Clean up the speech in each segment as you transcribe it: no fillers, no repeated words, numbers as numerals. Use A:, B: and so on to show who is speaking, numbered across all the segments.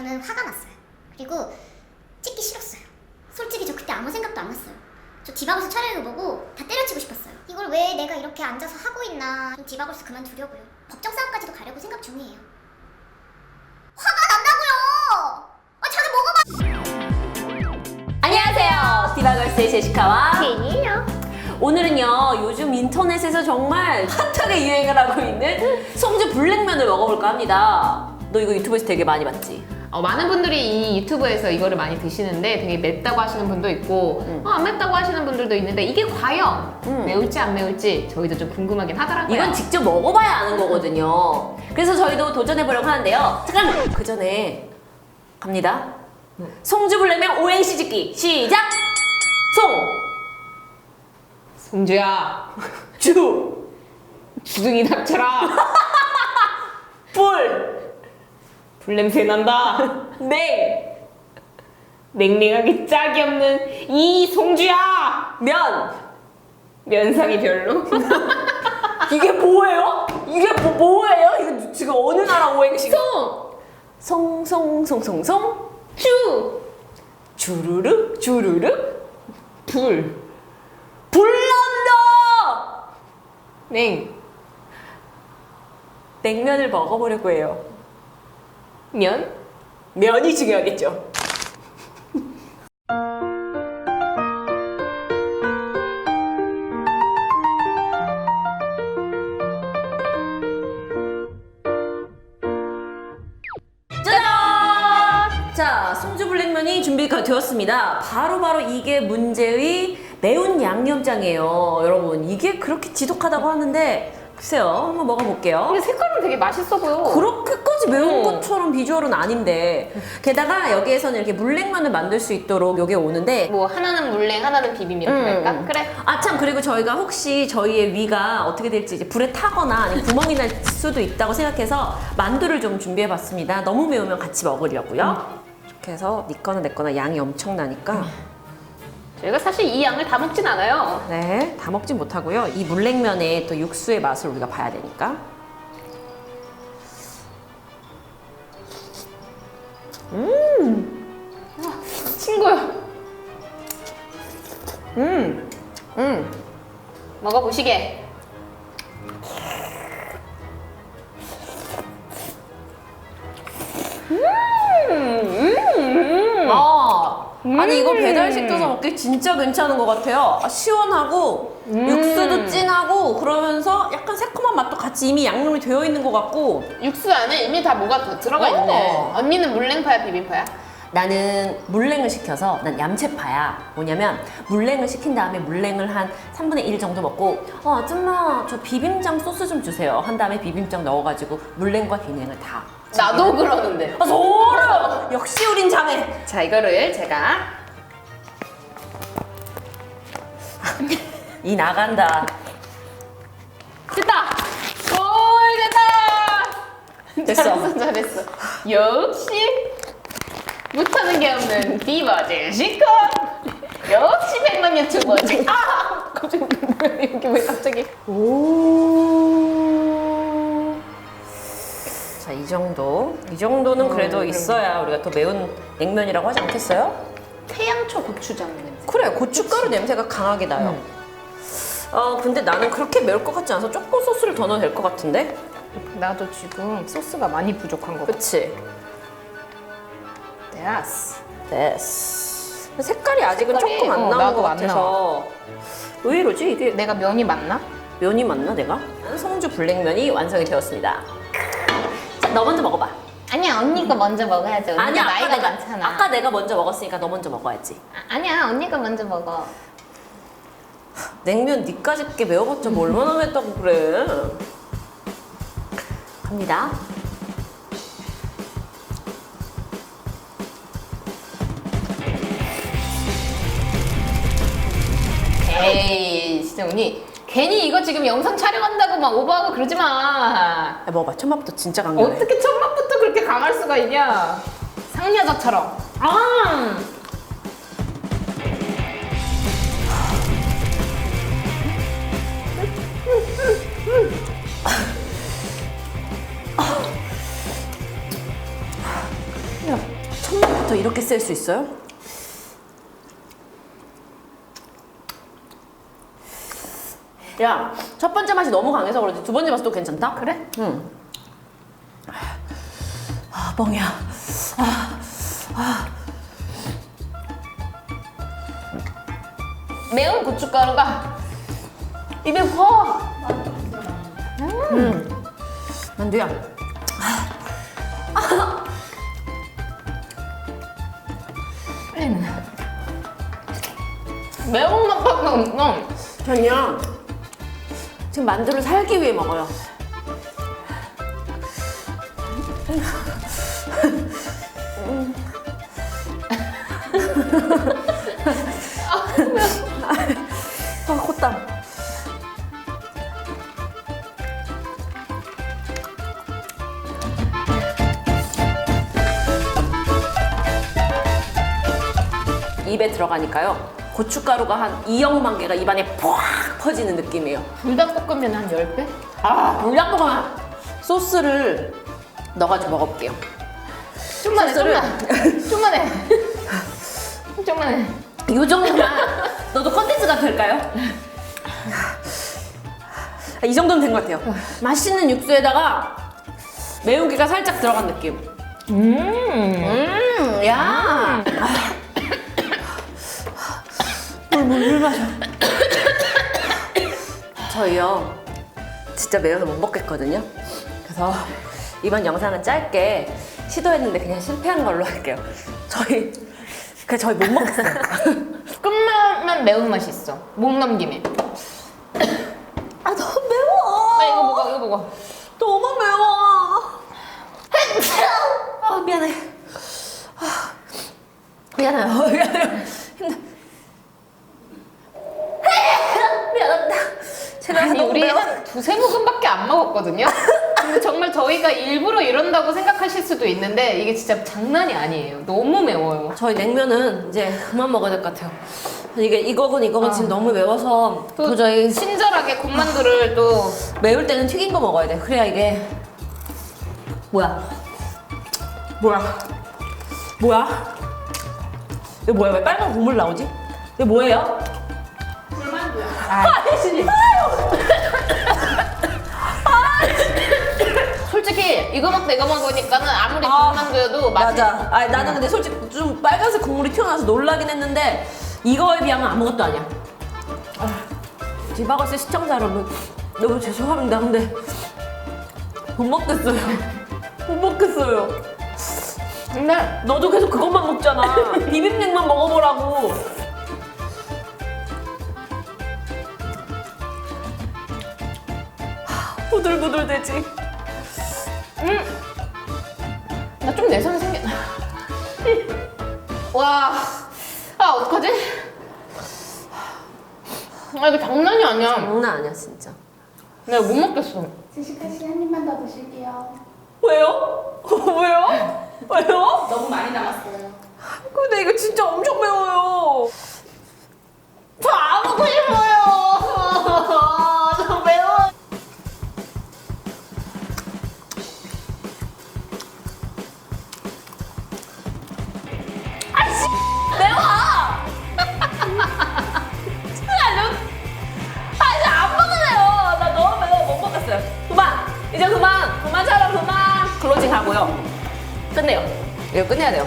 A: 저는 화가 났어요. 그리고 찍기 싫었어요. 솔직히 저 그때 아무 생각도 안 났어요. 저 디바걸스 촬영을 보고 다 때려치고 싶었어요. 이걸 왜 내가 이렇게 앉아서 하고 있나. 좀 디바걸스 그만두려고요. 법정 싸움까지도 가려고 생각 중이에요. 화가 난다고요! 자주 먹어봐!
B: 안녕하세요. 디바걸스의 제시카와
A: 제니예요.
B: 오늘은요 요즘 인터넷에서 정말 핫하게 유행을 하고 있는 송주 블랙면을 먹어볼까 합니다. 너 이거 유튜브에서 되게 많이 봤지?
C: 많은 분들이 이 유튜브에서 이거를 많이 드시는데 되게 맵다고 하시는 분도 있고 안 맵다고 하시는 분들도 있는데 이게 과연 매울지 안 매울지 저희도 좀 궁금하긴 하더라고요.
B: 이건 직접 먹어봐야 아는 거거든요. 그래서 저희도 도전해보려고 하는데요. 잠깐! 그 전에 갑니다. 송주 블랙면 오행시 짓기 시작!
C: 송주야
B: 주!
C: 주둥이 닥쳐라.
B: 불!
C: 불냄새 난다.
B: 냉!
C: 냉랭하기 짝이 없는 이 송주야.
B: 면!
C: 면상이 별로.
B: 이게 뭐예요? 이게 뭐예요? 이거 지금 어느 나라 오행시가? 송송송송송
C: 주
B: 주르륵 주르륵
C: 불
B: 불난다!
C: 냉
B: 냉면을 먹어보려고 해요.
C: 면
B: 면이 중요하겠죠. 짜잔! 자, 송주 블랙면이 준비가 되었습니다. 바로 이게 문제의 매운 양념장이에요. 여러분, 이게 그렇게 지독하다고 하는데 글쎄요, 한번 먹어볼게요.
C: 근데 색깔은 되게 맛있어 보여.
B: 그렇게까지 매운 것처럼 비주얼은 아닌데, 게다가 여기에서는 이렇게 물냉면을 만들 수 있도록 여기에 오는데,
C: 뭐 하나는 물냉 하나는 비빔 이렇게 할까? 그래.
B: 아 참, 그리고 저희가 혹시 저희의 위가 어떻게 될지 이제 불에 타거나 아니면 구멍이 날 수도 있다고 생각해서 만두를 좀 준비해봤습니다. 너무 매우면 같이 먹으려고요. 이렇게 해서 네 거나 내 거나 양이 엄청나니까
C: 저희가 사실 이 양을 다 먹진 않아요.
B: 네, 다 먹진 못하고요. 이 물냉면의 또 육수의 맛을 우리가 봐야 되니까.
C: 친구야.
B: 음.
C: 먹어보시게.
B: 아니 이거 배달시켜서 먹기 진짜 괜찮은 것 같아요. 시원하고 육수도 진하고 그러면서 약간 새콤한 맛도 같이 이미 양념이 되어 있는 것 같고.
C: 육수 안에 이미 다 뭐가 더 들어가 있네. 언니는 물냉파야 비빔파야?
B: 나는 물냉을 시켜서 난 얌체파야. 뭐냐면 물냉을 시킨 다음에 물냉을 한 3분의 1 정도 먹고 아줌마 저 비빔장 소스 좀 주세요 한 다음에 비빔장 넣어가지고 물냉과 비냉을 다.
C: 나도 그러는데.
B: 아 소름! 역시 우린 자매.
C: 자, 이거를 제가
B: 이 나간다.
C: 됐다. 오, 됐다.
B: 됐어.
C: 잘했어. 역시 못하는 게 없는 디바 제시카. 역시 100만 유튜버지. 아, 갑자기 뭐야 여기 왜 갑자기?
B: 오. 자, 이 정도는 그래도 있어야 우리가 더 매운 냉면이라고 하지 않겠어요?
C: 태양초 고추장 냄새.
B: 그래, 고춧가루 냄새가 강하게 나요. 근데 나는 그렇게 매울 것 같지 않아서 조금 소스를 더 넣어도 될 것 같은데?
C: 나도 지금 소스가 많이 부족한 거 같아.
B: 그치?
C: 됐어.
B: 됐어. 색깔이 아직은
C: 색깔이,
B: 조금 안 나온
C: 나도
B: 것
C: 안
B: 같아서 왜 이러지? 이게
C: 내가 면이 맞나?
B: 면이 맞나 내가? 송주 블랙면이 완성이 되었습니다. 자, 너 먼저 먹어봐.
C: 아니야, 언니가 먼저 먹어야지. 언니가
B: 아니야,
C: 나이가 많잖아.
B: 아까 내가 먼저 먹었으니까 너 먼저 먹어야지.
C: 아니야, 언니가 먼저 먹어.
B: 냉면 니까지 게 매워봤자 뭐 얼마나 맵다고 그래. 갑니다.
C: 에이, 진짜 언니 괜히 이거 지금 영상 촬영한다고 막 오버하고 그러지 마.
B: 야, 먹어봐. 첫 맛부터 진짜 강렬해.
C: 어떻게 첫 맛부터 그렇게 강할 수가 있냐? 상여자처럼. 아. 야,
B: 토마토 이렇게 쓸 수 있어요? 야, 첫 번째 맛이 너무 강해서 그러지 두 번째 맛도 괜찮다?
C: 그래?
B: 응. 아, 뻥이야.
C: 매운 고춧가루가 입에 확.
B: 만두야.
C: 매운맛밖에 없어.
B: 전요. 지금 만두를 살기 위해 먹어요. 아, 콧땀. 입에 들어가니까요. 고춧가루가 한 2억만 개가 입안에 푹 퍼지는 느낌이에요.
C: 불닭볶음면 한 10배?
B: 아, 불닭볶음면 소스를 넣어가지고 먹어볼게요.
C: 좀만 해,
B: 소스를-
C: 좀만 해. 좀만 해.
B: 이 정도만 너도 컨텐츠가 될까요? 이 정도면 된 것 같아요. 맛있는 육수에다가 매운기가 살짝 들어간 느낌. 야. 물 마셔. 저희요, 진짜 매워서 못 먹겠거든요. 그래서 이번 영상은 짧게 시도했는데 그냥 실패한 걸로 할게요. 저희 못 먹겠어요.
C: 끝나면 매운맛이 있어. 목 넘김에.
B: 아, 너무 매워.
C: 아, 이거 먹어, 이거 먹어.
B: 너무 매워. 아, 미안해. 아, 미안해요. 미안해요. 힘들. 미안합니다. 제가
C: 아니,
B: 너무
C: 우리
B: 매워.
C: 한 두세 모금밖에 안 먹었거든요? 근데 정말 저희가 일부러 이런다고 생각하실 수도 있는데 이게 진짜 장난이 아니에요. 너무 매워요.
B: 저희 냉면은 이제 그만 먹어야 될 것 같아요. 이거건 지금 너무 매워서
C: 또
B: 도저히
C: 친절하게 군만두를 또
B: 매울 때는 튀긴 거 먹어야 돼. 그래야 이게 뭐야? 이거 뭐야? 왜 빨간 국물 나오지? 이거 뭐예요?
C: 불만두야.
B: 아니,
C: 솔직히 이거 먹고 이거 먹으니까는 아무리 군만두여도 맛이
B: 맞아. 아니, 나는 근데 솔직히 좀 빨간색 국물이 튀어나와서 놀라긴 했는데 이거에 비하면 아무것도 아니야. 디바걸스 시청자 여러분, 너무 죄송합니다. 근데 못 먹겠어요. 못 먹겠어요.
C: 근데
B: 너도 계속 그것만 먹잖아. 비빔냉만 먹어보라고. 부들부들 되지.
C: 나 좀 내성 생겨. 와, 아 어떡하지? 아 이거 장난이 아니야.
B: 장난 아니야 진짜.
C: 내가 못 먹겠어.
D: 제시카 씨 한 입만 더 드실게요.
B: 왜요? 왜요? 왜요?
D: 너무 많이 남았어요.
B: 근데 이거 진짜 엄청 매워요.
C: 다 먹고 싶어요. 너무 매워.
B: 아니 안 먹을래요. 나 너무 매워 못 먹겠어요. 그만. 이제 그만 촬영 그만. 클로징 하고요. 끝내요. 이거 끝내야 돼요.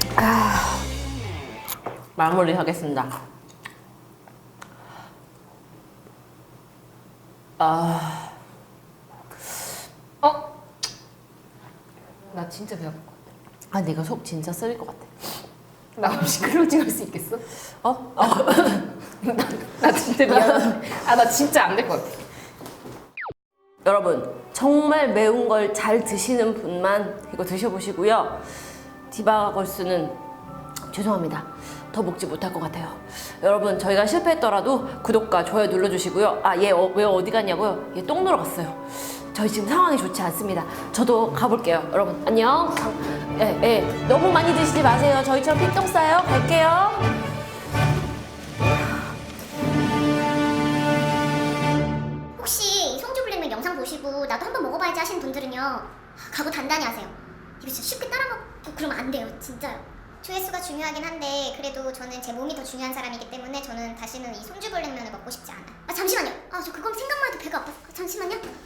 B: 마무리 하겠습니다.
C: 나 진짜 배고플 것
B: 아, 내가 속 진짜 쓰릴 것 같아.
C: 같아. 나 없이 클로징 할 수 있겠어?
B: 어?
C: 나 진짜 미안해. 나 진짜 안 될 것 같아.
B: 여러분, 정말 매운 걸 잘 드시는 분만 이거 드셔보시고요. 디바걸스는 죄송합니다. 더 먹지 못할 것 같아요. 여러분, 저희가 실패했더라도 구독과 좋아요 눌러주시고요. 아, 얘 왜 어디 갔냐고요? 얘 똥 누러 갔어요. 저희 지금 상황이 좋지 않습니다. 저도 가볼게요. 여러분, 안녕. 너무 많이 드시지 마세요. 저희처럼 핏똥 싸요. 갈게요.
A: 혹시 성주불냉면 영상 보시고 나도 한번 먹어봐야지 하시는 분들은요, 각오 단단히 하세요. 이거 진짜 쉽게 따라 먹고 그러면 안 돼요, 진짜요. 조회수가 중요하긴 한데 그래도 저는 제 몸이 더 중요한 사람이기 때문에 저는 다시는 이 손주불냉면을 먹고 싶지 않아요. 아 잠시만요. 아 저 그거 생각만 해도 배가 아파서 잠시만요.